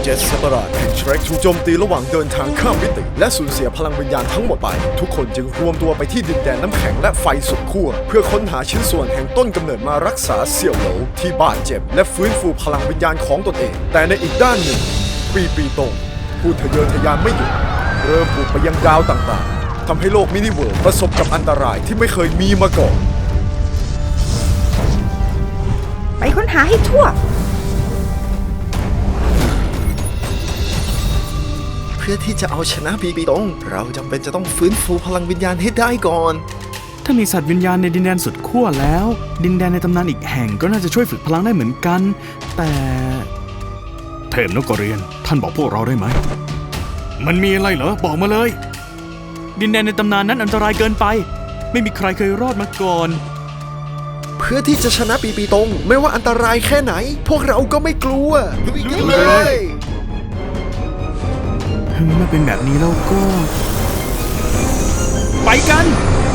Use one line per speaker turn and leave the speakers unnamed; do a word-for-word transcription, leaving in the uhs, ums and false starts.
เจ็ดสัตว์ประหลาดแห่งเชรกถูกโจมตีระหว่างเดินทางข้ามมิติและสูญเสียพลังวิญญาณทั้งหมดไปทุกคนจึงรวมตัวไปที่ดินแดนน้ำแข็งและไฟสุดขั้วเพื่อค้นหาชิ้นส่วนแห่งต้นกำเนิดมารักษาเสี่ยวเหลวที่บาดเจ็บและฟื้นฟูพลังวิญญาณของตนเองแต่ในอีกด้านหนึ่งปีปีตงผู้ทะเยอทะยานไม่หยุดเริ่มบุกไปยังดาวต่างๆทำให้โลกมินิเวิลด์ประสบกับอันตรายที่ไม่เคยมีมาก่อน
ไปค้นหาให้ทั่ว
เพื่อที่จะเอาชนะปีปีตงเราจำเป็นจะต้องฟื้นฟูพลังวิญญาณให้ได้ก่อน
ถ้ามีสัตว์วิญญาณในดินแดนสุดขั้วแล้วดินแดนในตำนานอีกแห่งก็น่าจะช่วยฝึกพลังได้เหมือนกันแต่เทพนกกระเรียนท่านบอกพวกเราได้ไหมมันมีอะไรเหรอบอกมาเลยดินแดนในตำนานนั้นอันตรายเกินไปไม่มีใครเคยรอดมาก่อน
เพื่อที่จะชนะปีปีตงไม่ว่าอันตรายแค่ไหนพวกเราก็ไม่กลัวลุยกันเลย
เมื่อเป็นแบบนี้แล้วก็ไปกัน